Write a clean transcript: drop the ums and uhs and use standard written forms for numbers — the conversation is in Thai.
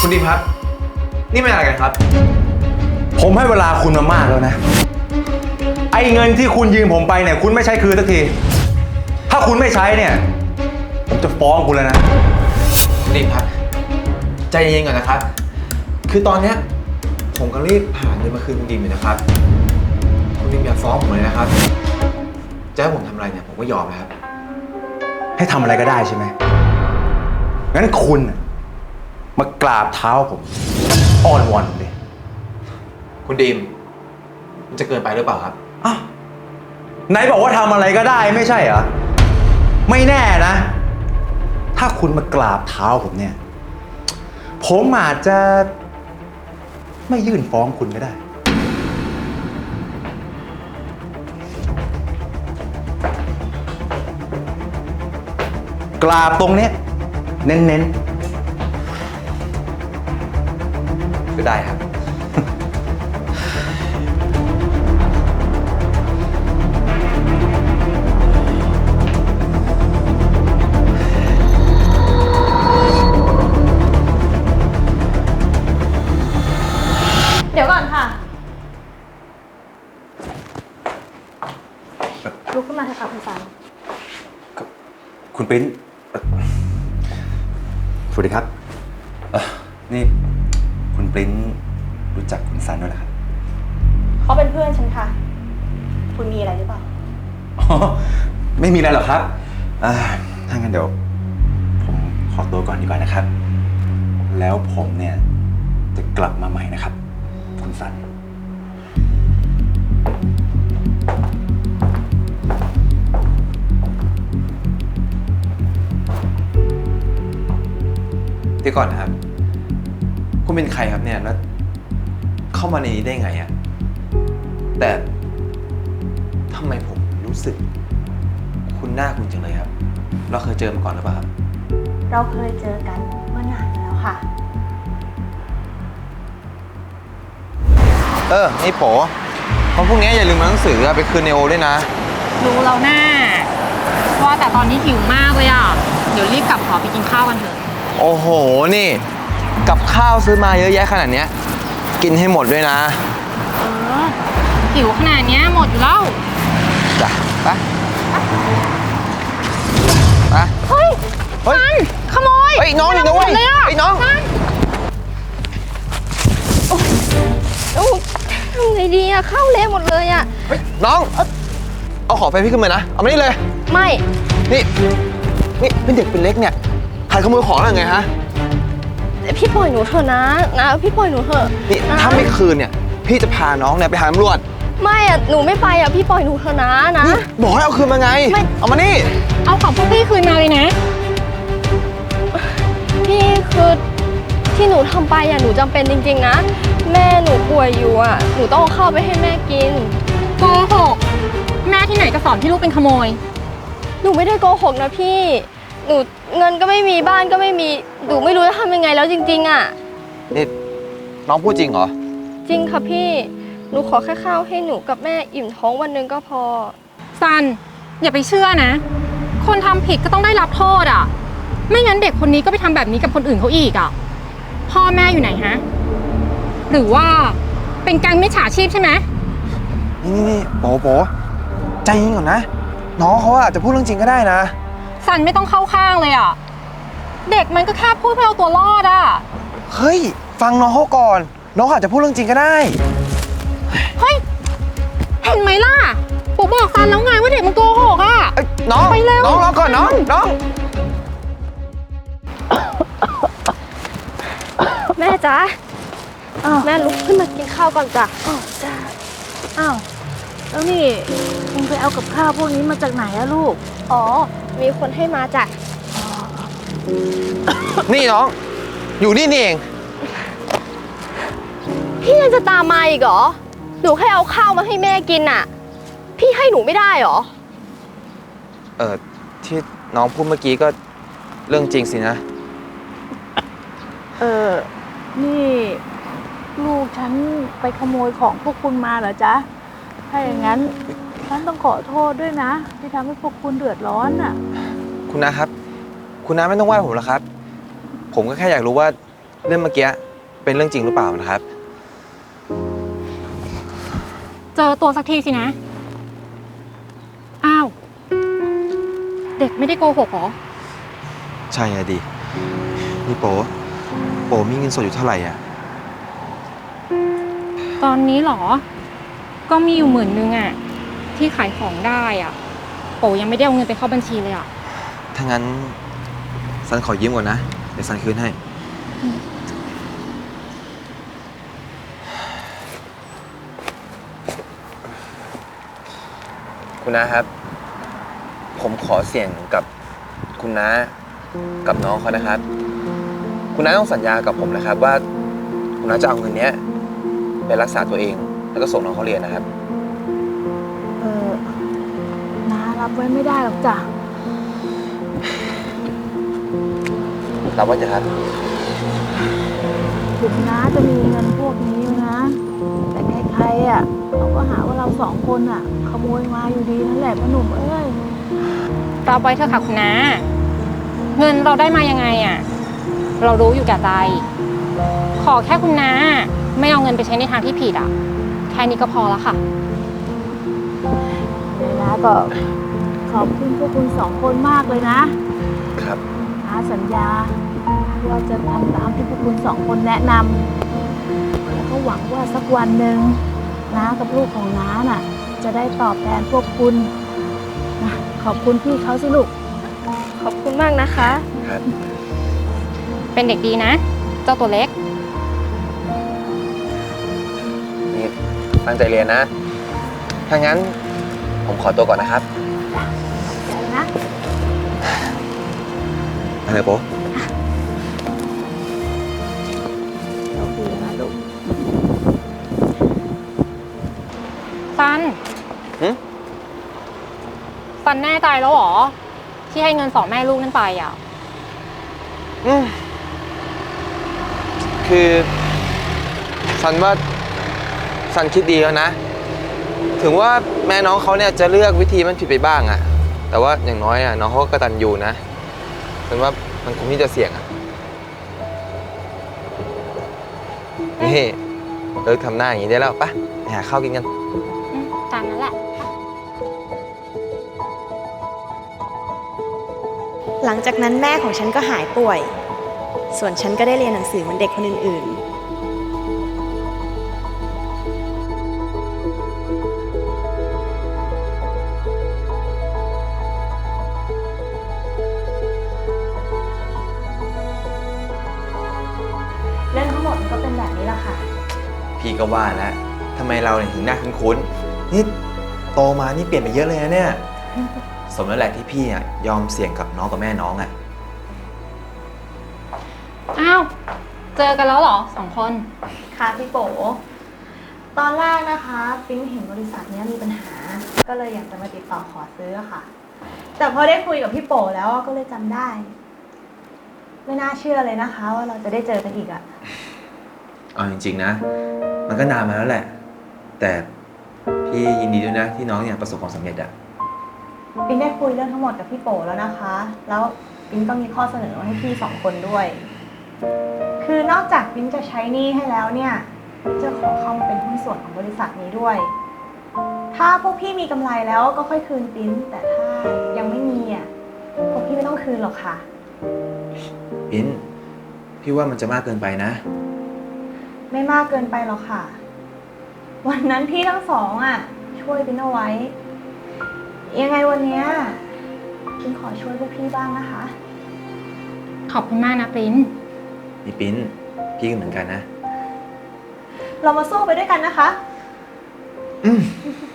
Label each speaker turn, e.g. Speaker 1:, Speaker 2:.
Speaker 1: คุณดิมครับนี่เป็นอะไรกันครับ
Speaker 2: ผมให้เวลาคุณมามากแล้วนะไอ้เงินที่คุณยืมผมไปเนี่ยคุณไม่ใช้คืนสักทีถ้าคุณไม่ใช้เนี่ยผมจะฟ้องคุณแล้วนะ
Speaker 1: คุณดิมครับใจเย็นๆก่อนนะครับคือตอนเนี้ยผมก็รีบหาเงินมาคืนคุณดิมอยู่นะครับคุณดิมอย่าฟ้องผมเลยนะครับจะให้ผมทำอะไรเนี่ยผมก็ยอมนะครับ
Speaker 2: ให้ทำอะไรก็ได้ใช่ไหมงั้นคุณมากราบเท้าผมอ้อนวอนผมดิ
Speaker 1: คุณดิมมันจะเกินไปหรือเปล่าครับ
Speaker 2: อ้าวไหนบอกว่าทำอะไรก็ได้ไม่ใช่เหรอไม่แน่นะถ้าคุณมากราบเท้าผมเนี่ยผมอาจจะไม่ยื่นฟ้องคุณก็ได้กราบตรงเนี้ยเน้นๆก็ได้ครับ
Speaker 3: เดี๋ยวก่อนค่ะลุกขึ้นมาเถอะค่ะคุณสัน
Speaker 2: คุณปริ้นสวัสดีครับนี่คุณปริ้นรู้จักคุณซันด้วยเหรอครับ
Speaker 3: เขาเป็นเพื่อนฉันค่ะคุณมีอะไรหรือเปล่า
Speaker 2: ไม่มีอะไรหรอกครับถ้างั้นเดี๋ยวผมขอตัวก่อนดีกว่านะครับแล้วผมเนี่ยจะกลับมาใหม่นะครับคุณซัน
Speaker 1: เดี๋ยวก่อนนะครับคุณเป็นใครครับเนี่ยแล้วเข้ามาในนี้ได้ไงอะแต่ทำไมผมรู้สึกคุณหน้าคุณจังเลยครับเราเคยเจอมาก่อนหรือเปล่าครับ
Speaker 3: เราเคยเจอกันเมื่อนานมาแล้วค่ะ
Speaker 1: นี่โป๋วันพรุ่งนี้อย่าลืมหนังสือไปคืนในโอด้วยนะ
Speaker 4: รู้แล้วแน่ว่าแต่ตอนนี้หิวมากเลยอ่ะเดี๋ยวรีบกลับหอไปกินข้าวกันเถอะ
Speaker 1: โอ้โหนี่กับข้าวซื้อมาเยอะแยะขนาดเนี้ยกินให้หมดด้วยนะ
Speaker 4: หิวขนาดนี้หมดอยู่แล้ว
Speaker 1: จ้ะไป
Speaker 4: เฮ้ยซันขโมย
Speaker 1: เฮ้ยน้องอยู่นะเว้ยไอ้น้อง
Speaker 4: ทำไงดีอะข้าวเละหมดเลยอะ
Speaker 1: เฮ้ยน้องเอาของแฟนพี่ขึ้นมานะเอามานี่เลย
Speaker 4: ไม่
Speaker 1: นี่เป็นเด็กเป็นเล็กเนี่ยใครขโมยของอะไรไงฮะ
Speaker 4: พี่ปล่อยหนูเถอะนะพี่ปล่อยหนูเถอะ
Speaker 1: นี่ถ้าไม่คืนเนี่ยพี่จะพาน้องเนี่ยไปหาตำรวจ
Speaker 4: ไม่อะหนูไม่ไปอะพี่ปล่อยหนูเถอะนะ
Speaker 1: บอกให้เอาคืนมาไงเอามานี่
Speaker 4: เอาของพวกพี่คืนมาเลยนะพี่คือที่หนูทำไปอะหนูจำเป็นจริงๆนะแม่หนูป่วยอยู่อะหนูต้องเอาข้าวไปให้แม่กินโกหกแม่ที่ไหนจะสอนพี่ลูกเป็นขโมยหนูไม่ได้โกหกนะพี่หนูเงินก็ไม่มีบ้านก็ไม่มีหนูไม่รู้จะทำยังไงแล้วจริงๆอ่ะ
Speaker 1: นี่น้องพูดจริงเหรอ
Speaker 4: จริงค่ะพี่หนูขอแค่ข้าวให้หนูกับแม่อิ่มท้องวันนึงก็พอซันอย่าไปเชื่อนะคนทำผิดก็ต้องได้รับโทษอ่ะไม่งั้นเด็กคนนี้ก็ไปทำแบบนี้กับคนอื่นเขาอีกอ่ะพ่อแม่อยู่ไหนฮะหรือว่าเป็นแก๊งมิจฉาชีพใช่ไหม
Speaker 1: นี่โป๋ใจเย็นก่อนนะน้องเขาอาจจะพูดเรื่องจริงก็ได้นะ
Speaker 4: ซันไม่ต้องเข้าข้างเลยอ่ะเด็กมันก็แค่พูดเพื่อเอาตัวรอดอ่ะ
Speaker 1: เฮ้ยฟังน้องเขาก่อนน้องอาจจะพูดเรื่องจริงก็ได้
Speaker 4: เฮ้ยเห็นไหมล่ะปู่บอกซันแล้วไงว่าเด็กมันโกหกอ่ะ
Speaker 1: น้อง
Speaker 4: ไปเร็ว
Speaker 1: น้องรอก่อนน้อง
Speaker 4: แม่จ๊ะแม่ลุกขึ้นมากินข้าวก่อนจ้ะ
Speaker 3: จ้าแล้วนี่มึงไปเอากับข้าวพวกนี้มาจากไหนอะลูก
Speaker 4: อ๋อมีคนให้มาจ้ะ
Speaker 1: นี่น้องอยู่นี่เอง
Speaker 4: พี่ยังจะตามมาอีกเหรอหนูแค่เอาข้าวมาให้แม่กินน่ะพี่ให้หนูไม่ได้เหรอ
Speaker 1: ที่น้องพูดเมื่อกี้ก็เรื่องจริงสินะ
Speaker 3: นี่ลูกฉันไปขโมยของพวกคุณมาเหรอจ๊ะถ้าอย่างนั้นฉันต้องขอโทษด้วยนะที่ทำให้พวกคุณเดือดร้อนน่ะ
Speaker 1: คุณน้าครับคุณน้าไม่ต้องไหว้ผมหรอกครับผมก็แค่อยากรู้ว่าเรื่องเมื่อกี้เป็นเรื่องจริงหรือเปล่านะครับ
Speaker 4: เจอตัวสักทีสินะ อ้าว เด็กไม่ได้โกหกเหรอ
Speaker 1: ใช่อะดินี่โปมีเงินสดอยู่เท่าไหร่อ่ะ
Speaker 4: ตอนนี้เหรอ ก็มีอยู่10,000อะที่ขายของได้อะโปยังไม่ได้เอาเงินไปเข้าบัญชีเลยอะ
Speaker 1: ถ้างั้นซันขอยืมก่อนนะ เดี๋ยวซันคืนให้ คุณน้าครับ ผมขอเสี่ยงกับคุณน้ากับน้องเขานะครับ คุณน้าต้องสัญญากับผมนะครับว่า คุณน้าจะเอาเงินเนี้ยไปรักษาตัวเอง แล้วก็ส่งน้องเขาเรียนนะครับ
Speaker 3: น้ารับไว้ไม่ได้หรอกจ้ะ
Speaker 1: รับไว้เถอะครับ
Speaker 3: ถึงน้าจะมีเงินพวกนี้นะ แต่ใครๆอ่ะเขาก็หาว่าเราสองคนอ่ะ ขโมยมาอยู่ดีนั่นแหละพ่อหนุ่มเอ้ย
Speaker 4: รับไว้เถอะค่ะคุณน้า เงินเราได้มายังไงอะเรารู้อยู่แก่ใจ ขอแค่คุณน้าไม่เอาเงินไปใช้ในทางที่ผิดอะแค่นี้ก็พอแล้วค่ะ
Speaker 3: เดี๋ยวนะก็ขอบคุณพวกคุณสองคนมากเลยนะครับ น้าสัญญาว่าจะทำตามที่พวกคุณสองคนแนะนำแล้วก็หวังว่าสักวันหนึ่งน้ากับลูกของน้าน่ะ จะได้ตอบแทนพวกคุณนะขอบคุณพี่เขาสิลูก
Speaker 5: ขอบคุณมากนะคะ
Speaker 1: ครับ
Speaker 4: เป็นเด็กดีนะ เจ้าตัวเล็ก
Speaker 1: นี่ตั้งใจเรียนนะ ถ้างั้นผมขอตัวก่อนนะครับ
Speaker 3: ใจนะ
Speaker 1: อะไรโป
Speaker 3: โชคดีนะลูก
Speaker 4: ซัน
Speaker 1: หึ
Speaker 4: ซันแน่ใจแล้วเหรอ ที่ให้เงิน2 แม่ลูกนั่นไปอ่ะ
Speaker 1: คือซันว่าซันคิดดีแล้วนะ ถึงว่าแม่น้องเขาเนี่ยจะเลือกวิธีมันผิดไปบ้างอะแต่ว่าอย่างน้อยอะน้องเขาก็กตัญญูนะซันว่ามันคงที่จะเสี่ยงอะนี่เลิกทำหน้าอย่างนี้ได้แล้วปะไปหาข้าวกินกัน
Speaker 4: ตามนั้นแหละ
Speaker 5: หลังจากนั้นแม่ของฉันก็หายป่วย ส่วนฉันก็ได้เรียนหนังสือเหมือนเด็กคนอื่นๆ เรื่องทั้งหมดมันก็เป็นแบบนี้แหละค่ะ
Speaker 1: พี่ก็ว่าแล้วทำไมเราเนี่ยถึงหน้าคุ้นๆนี่โตมานี่เปลี่ยนไปเยอะเลยนะเนี่ย สมแล้วแหละที่พี่อะยอมเสี่ยงกับน้องกับแม่น้องอะ
Speaker 4: อ้าว เจอกันแล้วเหรอ2 คน
Speaker 5: ค่ะพี่โป๋ตอนแรกนะคะปิ๊งเห็นบริษัทนี้มีปัญหา ก็เลยอยากจะมาติดต่อขอซื้อค่ะ แต่พอได้คุยกับพี่โป๋แล้วก็เลยจำได้ ไม่น่าเชื่อเลยนะคะว่าเราจะได้เจอกันอีกอะ
Speaker 1: เอาจริงๆนะ มันก็นานมาแล้วแหละ แต่พี่ยินดีด้วยนะที่น้องเนี่ยประสบความสำเร็จอะ
Speaker 5: ปิ๊งได้คุยเรื่องทั้งหมดกับพี่โป๋แล้วนะคะ แล้วปิ๊งก็มีข้อเสนอมาให้พี่2 คนด้วย คือนอกจากปิ๊งจะใช้หนี้ให้แล้วเนี่ยปิ๊งจะขอเข้ามาเป็นหุ้นส่วนของบริษัทนี้ด้วย ถ้าพวกพี่มีกำไรแล้วก็ค่อยคืนปิ๊งแต่ถ้ายังไม่มีอ่ะพวกพี่ไม่ต้องคืนหรอกค่ะ
Speaker 1: ปิ้นพี่ว่ามันจะมากเกินไปนะ
Speaker 5: ไม่มากเกินไปหรอกค่ะ วันนั้นพี่ทั้งสองอ่ะ ช่วยปิ๊งเอาไว้ ยังไงวันเนี้ยปิ๊งขอช่วยพวกพี่บ้างนะคะ
Speaker 4: ขอบคุณมากนะปริ้น
Speaker 1: นี่ปิ้นพี่ก็เหมือนกันนะ
Speaker 5: เรามาสู้ไปด้วยกันนะคะ
Speaker 1: อืม